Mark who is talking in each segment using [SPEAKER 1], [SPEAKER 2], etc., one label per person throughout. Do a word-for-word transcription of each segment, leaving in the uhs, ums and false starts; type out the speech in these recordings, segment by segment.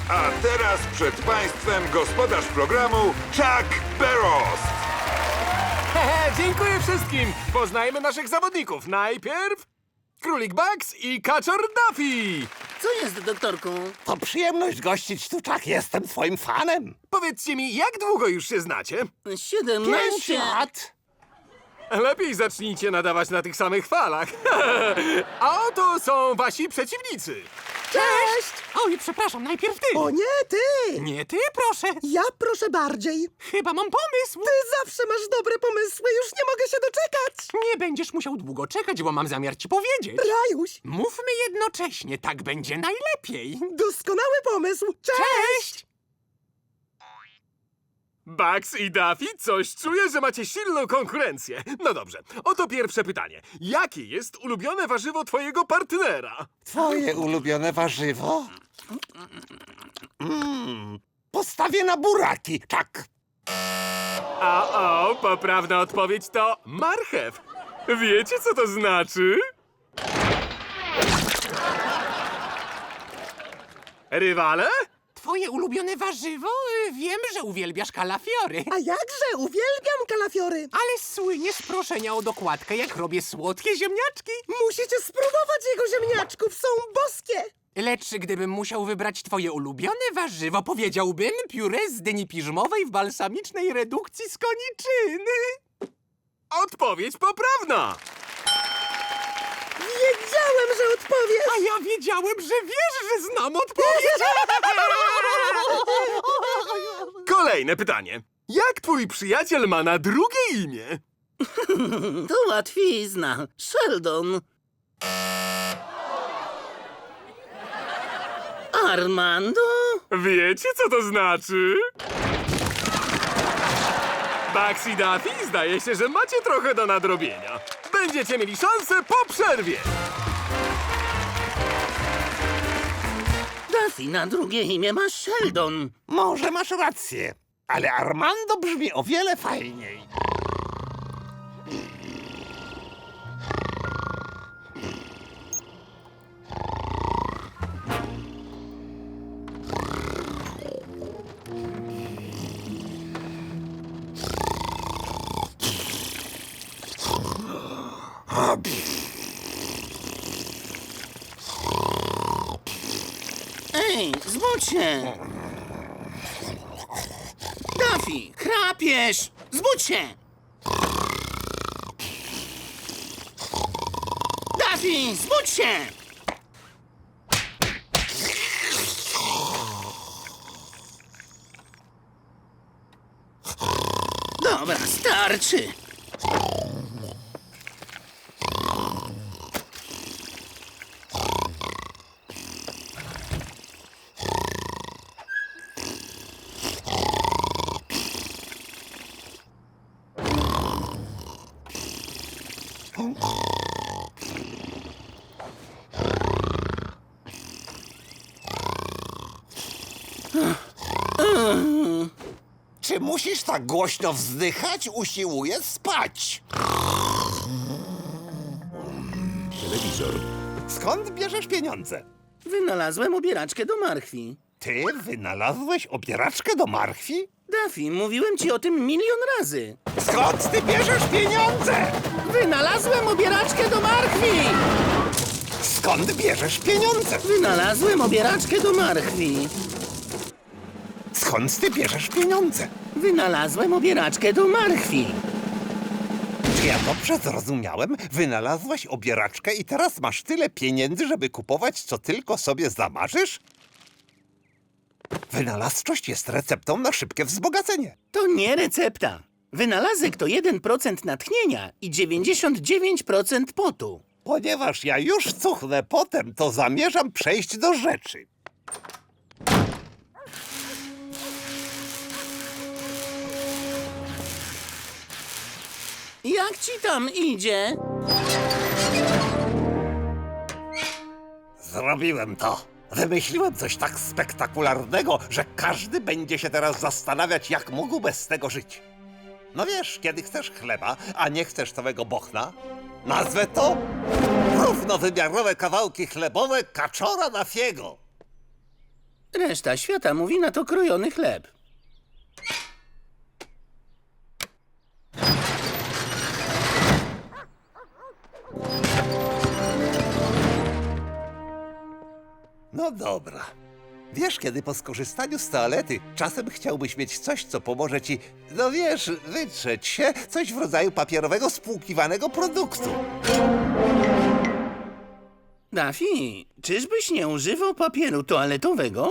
[SPEAKER 1] A teraz przed Państwem gospodarz programu Chuck Barrows.
[SPEAKER 2] Hehe, dziękuję wszystkim! Poznajmy naszych zawodników. Najpierw Królik Bugs i Kaczor Duffy.
[SPEAKER 3] Co jest, doktorku?
[SPEAKER 4] To przyjemność gościć tu, Chuck. Jestem twoim fanem.
[SPEAKER 2] Powiedzcie mi, jak długo już się znacie?
[SPEAKER 4] Pięć
[SPEAKER 3] Siedemnaście...
[SPEAKER 4] lat.
[SPEAKER 2] Lepiej zacznijcie nadawać na tych samych falach. A oto są wasi przeciwnicy.
[SPEAKER 5] Cześć!
[SPEAKER 6] Oj, przepraszam, najpierw ty!
[SPEAKER 5] O nie, ty!
[SPEAKER 6] Nie ty, proszę!
[SPEAKER 5] Ja proszę bardziej.
[SPEAKER 6] Chyba mam pomysł!
[SPEAKER 5] Ty zawsze masz dobre pomysły, już nie mogę się doczekać.
[SPEAKER 6] Nie będziesz musiał długo czekać, bo mam zamiar ci powiedzieć.
[SPEAKER 5] Rajuś,
[SPEAKER 6] Mówmy jednocześnie, tak będzie najlepiej.
[SPEAKER 5] doskonały pomysł. Cześć!
[SPEAKER 6] Cześć!
[SPEAKER 2] Bugs i Duffy, coś czuję, że macie silną konkurencję. No dobrze, oto pierwsze pytanie. Jakie jest ulubione warzywo twojego partnera?
[SPEAKER 4] Twoje ulubione warzywo? Mm, postawię na buraki, Chuck.
[SPEAKER 2] A o, poprawna odpowiedź to marchew. Wiecie, co to znaczy? Rywale?
[SPEAKER 6] Twoje ulubione warzywo? Y, Wiem, że uwielbiasz kalafiory.
[SPEAKER 5] A jakże, uwielbiam kalafiory.
[SPEAKER 6] Ale słynie z proszenia o dokładkę, jak robię słodkie ziemniaczki.
[SPEAKER 5] Musicie spróbować jego ziemniaczków, są boskie.
[SPEAKER 6] Lecz gdybym musiał wybrać twoje ulubione warzywo, powiedziałbym pióre z dyni piżmowej w balsamicznej redukcji z koniczyny.
[SPEAKER 2] Odpowiedź poprawna!
[SPEAKER 5] Wiedziałem, że odpowiesz.
[SPEAKER 6] A ja wiedziałem, że wiesz, że znam odpowiedź.
[SPEAKER 2] Kolejne pytanie. Jak twój przyjaciel ma na drugie imię?
[SPEAKER 3] To łatwizna. Sheldon. Armando?
[SPEAKER 2] Wiecie, co to znaczy? Bugs i Duffy, zdaje się, że macie trochę do nadrobienia. Będziecie mieli szansę po przerwie.
[SPEAKER 3] Duffy na drugie imię ma Sheldon.
[SPEAKER 4] Może masz rację, ale Armando brzmi o wiele fajniej.
[SPEAKER 3] Ej, zbudź się! Duffy, chrapiesz! Zbudź się! Duffy, zbudź się! Dobra, starczy!
[SPEAKER 4] Czy musisz tak głośno wzdychać? Usiłuję spać.
[SPEAKER 1] Telewizor.
[SPEAKER 4] Skąd bierzesz pieniądze?
[SPEAKER 3] Wynalazłem obieraczkę do marchwi.
[SPEAKER 4] Ty wynalazłeś obieraczkę do marchwi?
[SPEAKER 3] Duffy, mówiłem ci o tym milion razy.
[SPEAKER 4] Skąd ty bierzesz pieniądze?
[SPEAKER 3] Wynalazłem obieraczkę do marchwi!
[SPEAKER 4] Skąd bierzesz pieniądze?
[SPEAKER 3] Wynalazłem obieraczkę do marchwi.
[SPEAKER 4] Skąd ty bierzesz pieniądze?
[SPEAKER 3] Wynalazłem obieraczkę do marchwi.
[SPEAKER 4] Czy ja dobrze zrozumiałem? Wynalazłaś obieraczkę i teraz masz tyle pieniędzy, żeby kupować, co tylko sobie zamarzysz? Wynalazczość jest receptą na szybkie wzbogacenie.
[SPEAKER 3] To nie recepta. Wynalazek to jeden procent natchnienia i dziewięćdziesiąt dziewięć procent potu.
[SPEAKER 4] Ponieważ ja już cuchnę potem, to zamierzam przejść do rzeczy.
[SPEAKER 3] Jak ci tam idzie?
[SPEAKER 4] Zrobiłem to. Wymyśliłem coś tak spektakularnego, że każdy będzie się teraz zastanawiać, jak mógł bez tego żyć. No wiesz, kiedy chcesz chleba, a nie chcesz całego bochna, nazwę to równowymiarowe kawałki chlebowe kaczora Duffiego.
[SPEAKER 3] Reszta świata mówi na to krojony chleb.
[SPEAKER 4] No dobra. Wiesz, kiedy po skorzystaniu z toalety czasem chciałbyś mieć coś, co pomoże ci, no wiesz, wytrzeć się, coś w rodzaju papierowego spłukiwanego produktu.
[SPEAKER 3] Daffy, czyżbyś nie używał papieru toaletowego?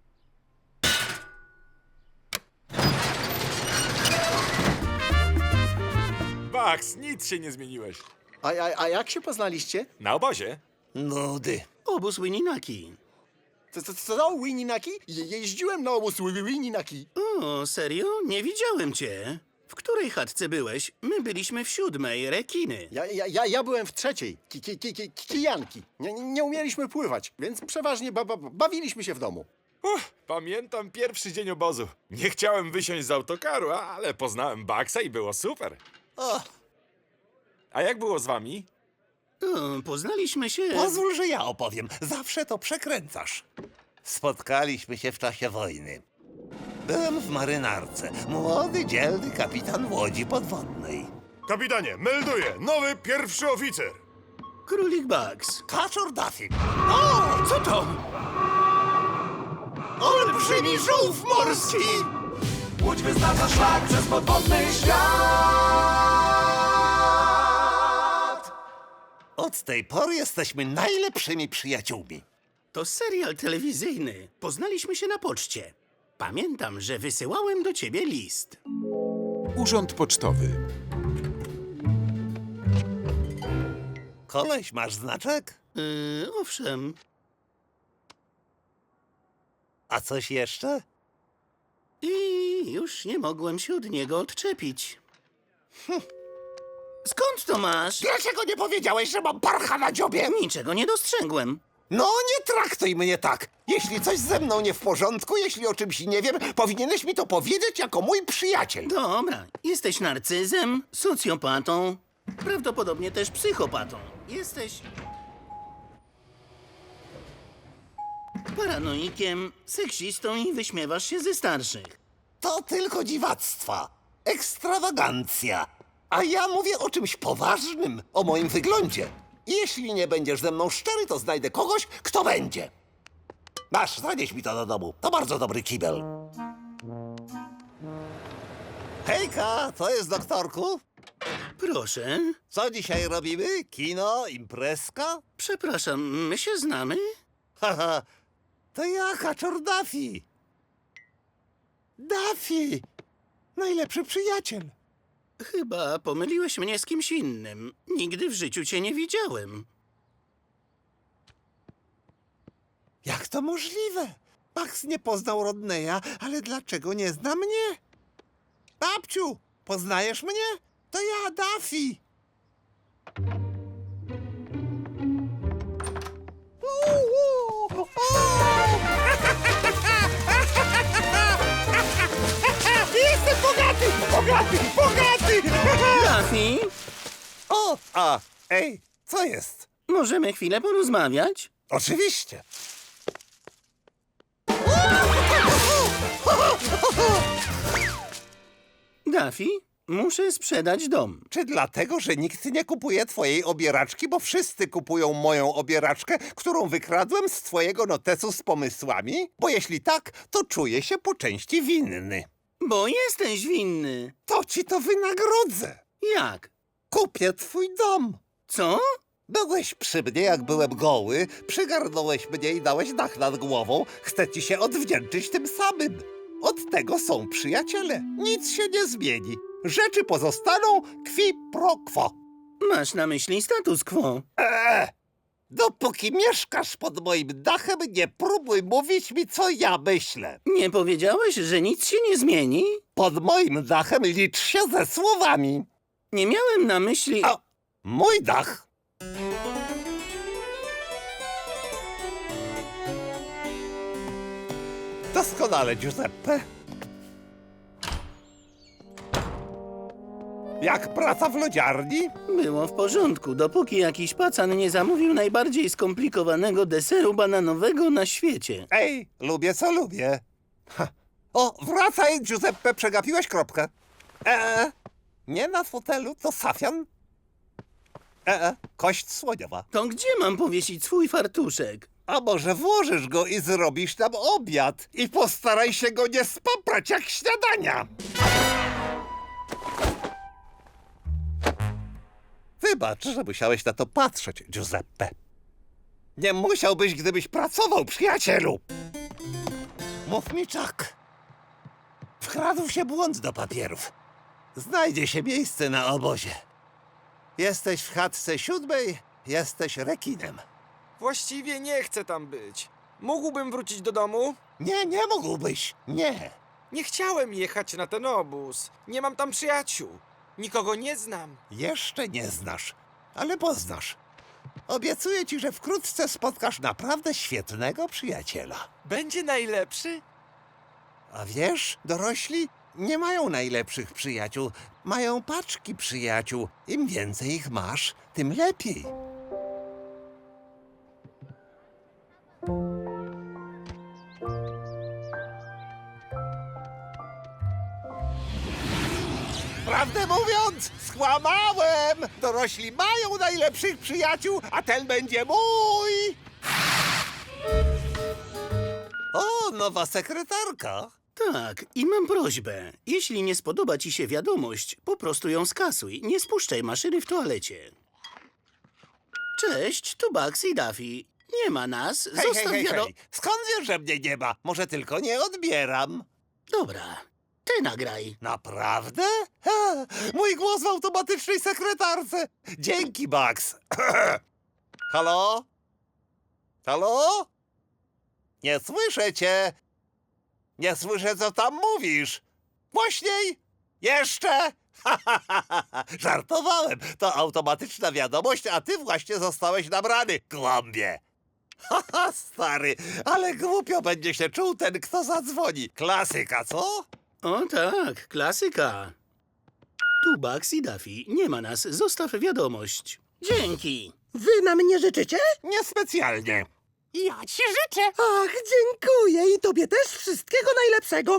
[SPEAKER 7] Bugs, nic się nie zmieniłeś.
[SPEAKER 8] A, a, a jak się poznaliście?
[SPEAKER 7] Na obozie.
[SPEAKER 4] Nudy.
[SPEAKER 3] Obóz Winninaki.
[SPEAKER 8] Co, co, co Winninaki? Je, jeździłem na obóz Winninaki.
[SPEAKER 3] O, serio? Nie widziałem cię. W której chatce byłeś? My byliśmy w siódmej, rekiny.
[SPEAKER 8] Ja, ja, ja, ja byłem w trzeciej, ki, ki, ki, ki, kijanki. Nie, nie nie umieliśmy pływać, więc przeważnie ba, ba, bawiliśmy się w domu.
[SPEAKER 7] Uff, pamiętam pierwszy dzień obozu. Nie chciałem wysiąść z autokaru, ale poznałem Bugsa i było super.
[SPEAKER 4] O,
[SPEAKER 7] A jak było z wami?
[SPEAKER 3] O, poznaliśmy się...
[SPEAKER 4] pozwól, że ja opowiem. Zawsze to przekręcasz. Spotkaliśmy się w czasie wojny. Byłem w marynarce. Młody, dzielny kapitan łodzi podwodnej.
[SPEAKER 1] Kapitanie, melduję, nowy pierwszy oficer.
[SPEAKER 3] Królik Bugs.
[SPEAKER 4] Kaczor Daffy.
[SPEAKER 3] Co to?
[SPEAKER 4] Olbrzymi żółw morski!
[SPEAKER 9] Łódź wyznacza szlak przez podwodny świat.
[SPEAKER 4] Od tej pory jesteśmy najlepszymi przyjaciółmi.
[SPEAKER 3] To serial telewizyjny. Poznaliśmy się na poczcie. Pamiętam, że wysyłałem do ciebie list.
[SPEAKER 10] Urząd Pocztowy.
[SPEAKER 4] Koleś, masz znaczek?
[SPEAKER 3] Yy, owszem.
[SPEAKER 4] A coś jeszcze?
[SPEAKER 3] I już nie mogłem się od niego odczepić. Hm. Skąd to masz?
[SPEAKER 4] Dlaczego nie powiedziałeś, że mam parcha na dziobie?
[SPEAKER 3] Niczego nie dostrzegłem.
[SPEAKER 4] No, nie traktuj mnie tak. Jeśli coś ze mną nie w porządku, jeśli o czymś nie wiem, powinieneś mi to powiedzieć jako mój przyjaciel.
[SPEAKER 3] Dobra, jesteś narcyzem, socjopatą, prawdopodobnie też psychopatą. Jesteś... paranoikiem, seksistą i wyśmiewasz się ze starszych.
[SPEAKER 4] To tylko dziwactwa. Ekstrawagancja. A ja mówię o czymś poważnym, o moim wyglądzie. Jeśli nie będziesz ze mną szczery, to znajdę kogoś, kto będzie. Masz, zanieś mi to do domu. To bardzo dobry kibel. Hejka, co jest, doktorku?
[SPEAKER 3] Proszę,
[SPEAKER 4] Co dzisiaj robimy? Kino, imprezka?
[SPEAKER 3] przepraszam, my się znamy?
[SPEAKER 4] Haha, to ja, Kaczor Daffy. Daffy, najlepszy przyjaciel.
[SPEAKER 3] Chyba pomyliłeś mnie z kimś innym. Nigdy w życiu cię nie widziałem.
[SPEAKER 4] Jak to możliwe? Max nie poznał Rodneya, ale dlaczego nie zna mnie? Babciu, poznajesz mnie? To ja, Daffy. Uuu, o! Jestem bogaty, bogaty, bogaty!
[SPEAKER 3] Daffy,
[SPEAKER 4] O, a, ej, co jest?
[SPEAKER 3] możemy chwilę porozmawiać?
[SPEAKER 4] Oczywiście.
[SPEAKER 3] Daffy, muszę sprzedać dom.
[SPEAKER 4] Czy dlatego, że nikt nie kupuje twojej obieraczki, bo wszyscy kupują moją obieraczkę, którą wykradłem z twojego notesu z pomysłami? Bo jeśli tak, to czuję się po części winny.
[SPEAKER 3] Bo jesteś winny.
[SPEAKER 4] To ci to wynagrodzę.
[SPEAKER 3] Jak?
[SPEAKER 4] Kupię twój dom.
[SPEAKER 3] Co?
[SPEAKER 4] Byłeś przy mnie, jak byłem goły, przygarnąłeś mnie i dałeś dach nad głową. Chcę ci się odwdzięczyć tym samym. Od tego są przyjaciele. Nic się nie zmieni. Rzeczy pozostaną qui pro quo.
[SPEAKER 3] Masz na myśli status quo.
[SPEAKER 4] Eee, dopóki mieszkasz pod moim dachem, nie próbuj mówić mi, co ja myślę.
[SPEAKER 3] Nie powiedziałeś, że nic się nie zmieni?
[SPEAKER 4] Pod moim dachem licz się ze słowami.
[SPEAKER 3] Nie miałem na myśli...
[SPEAKER 4] A mój dach. Doskonale, Giuseppe. Jak praca w lodziarni?
[SPEAKER 3] Było w porządku, dopóki jakiś pacan nie zamówił najbardziej skomplikowanego deseru bananowego na świecie.
[SPEAKER 4] Ej, lubię co lubię. Ha. O, wracaj, Giuseppe, przegapiłeś kropkę. Eee, nie na fotelu, to safian. Eee, kość słoniowa.
[SPEAKER 3] To gdzie mam powiesić swój fartuszek?
[SPEAKER 4] A może włożysz go i zrobisz nam obiad? I postaraj się go nie spaprać jak śniadania. Wybacz, że musiałeś na to patrzeć, Giuseppe. Nie musiałbyś, gdybyś pracował, przyjacielu. Mów mi, Chuck. Wkradł się błąd do papierów. Znajdzie się miejsce na obozie. Jesteś w chatce siódmej, jesteś rekinem.
[SPEAKER 7] Właściwie nie chcę tam być. Mógłbym wrócić do domu?
[SPEAKER 4] Nie, nie mógłbyś. Nie.
[SPEAKER 7] Nie chciałem jechać na ten obóz. Nie mam tam przyjaciół. Nikogo nie znam.
[SPEAKER 4] Jeszcze nie znasz, ale poznasz. Obiecuję ci, że wkrótce spotkasz naprawdę świetnego przyjaciela.
[SPEAKER 7] Będzie najlepszy?
[SPEAKER 4] A wiesz, dorośli nie mają najlepszych przyjaciół. Mają paczki przyjaciół. Im więcej ich masz, tym lepiej. Prawdę mówiąc, skłamałem! Dorośli mają najlepszych przyjaciół, a ten będzie mój! O, nowa sekretarka.
[SPEAKER 3] Tak, i mam prośbę. Jeśli nie spodoba ci się wiadomość, po prostu ją skasuj. Nie spuszczaj maszyny w toalecie. Cześć, tu Bugs i Daffy. Nie ma nas,
[SPEAKER 4] Hej, hej,
[SPEAKER 3] zostaw
[SPEAKER 4] hej,
[SPEAKER 3] wiado...
[SPEAKER 4] hej. Skąd wiesz, że mnie nie ma? Może tylko nie odbieram.
[SPEAKER 3] Dobra, ty nagraj.
[SPEAKER 4] Naprawdę? Ha, mój głos w automatycznej sekretarce. Dzięki, Bugs. Halo? Halo? Nie słyszę cię. Nie słyszę, co tam mówisz. Głośniej? Jeszcze? Żartowałem. To automatyczna wiadomość, a ty właśnie zostałeś nabrany, głąbie. Haha, stary, ale głupio będzie się czuł ten, kto zadzwoni. Klasyka, co?
[SPEAKER 3] O tak, klasyka. Tu Bugs i Daffy. Nie ma nas, zostaw wiadomość. Dzięki.
[SPEAKER 5] Wy na mnie życzycie?
[SPEAKER 4] Niespecjalnie.
[SPEAKER 6] Ja ci życzę.
[SPEAKER 5] Ach, dziękuję i tobie też wszystkiego najlepszego.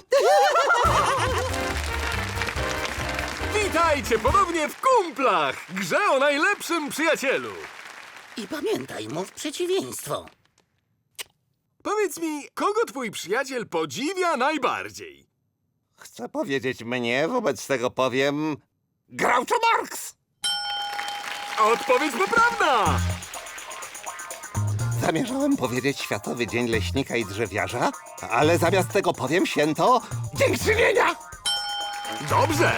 [SPEAKER 2] Witajcie ponownie w Kumplach, grze o najlepszym przyjacielu.
[SPEAKER 3] I pamiętaj, mów przeciwieństwo.
[SPEAKER 2] Powiedz mi, kogo twój przyjaciel podziwia najbardziej?
[SPEAKER 4] Chcę powiedzieć mnie, wobec tego powiem... Groucho Marx!
[SPEAKER 2] Odpowiedź poprawna!
[SPEAKER 4] Zamierzałem powiedzieć Światowy Dzień Leśnika i Drzewiarza, ale zamiast tego powiem święto Dziękczynienia!
[SPEAKER 2] Dobrze!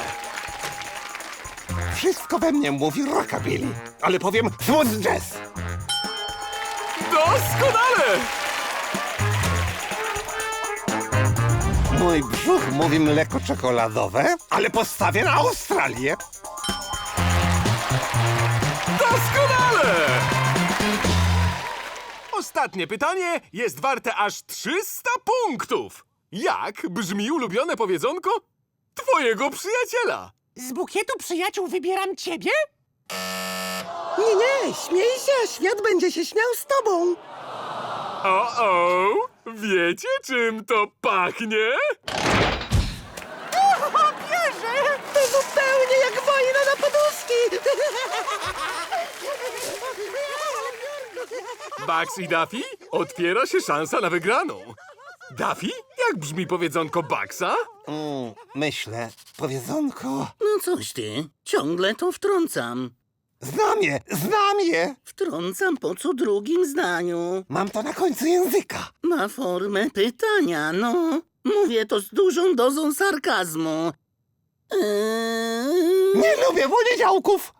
[SPEAKER 4] Wszystko we mnie mówi rockabilly, ale powiem smooth jazz!
[SPEAKER 2] Doskonale!
[SPEAKER 4] Mój brzuch mówi mleko czekoladowe, ale postawię na Australię!
[SPEAKER 2] Doskonale! Ostatnie pytanie jest warte aż trzysta punktów. Jak brzmi ulubione powiedzonko twojego przyjaciela?
[SPEAKER 6] Z bukietu przyjaciół wybieram ciebie?
[SPEAKER 5] Nie, nie, śmiej się, świat będzie się śmiał z tobą.
[SPEAKER 2] O-o! Wiecie, czym to pachnie?
[SPEAKER 5] Bierze! To zupełnie jak wojna na poduszki.
[SPEAKER 2] Bugs i Daffy? Otwiera się szansa na wygraną. Daffy? Jak brzmi powiedzonko Bugsa?
[SPEAKER 4] Mm, myślę, powiedzonko...
[SPEAKER 3] No coś ty, ciągle to wtrącam.
[SPEAKER 4] Znam je, znam je!
[SPEAKER 3] Wtrącam po co drugim zdaniu.
[SPEAKER 4] Mam to na końcu języka.
[SPEAKER 3] Ma formę pytania, no. Mówię to z dużą dozą sarkazmu. Eee...
[SPEAKER 4] Nie lubię poniedziałków!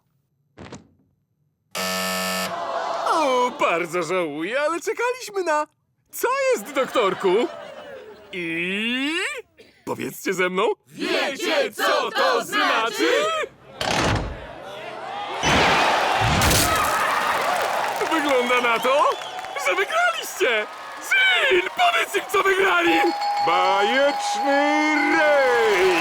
[SPEAKER 2] O, bardzo żałuję, ale czekaliśmy na... Co jest, doktorku? I... Powiedzcie ze mną. Wiecie, co to znaczy? Wygląda na to, że wygraliście! Jill, powiedz im, co wygrali!
[SPEAKER 1] Bajeczny rej!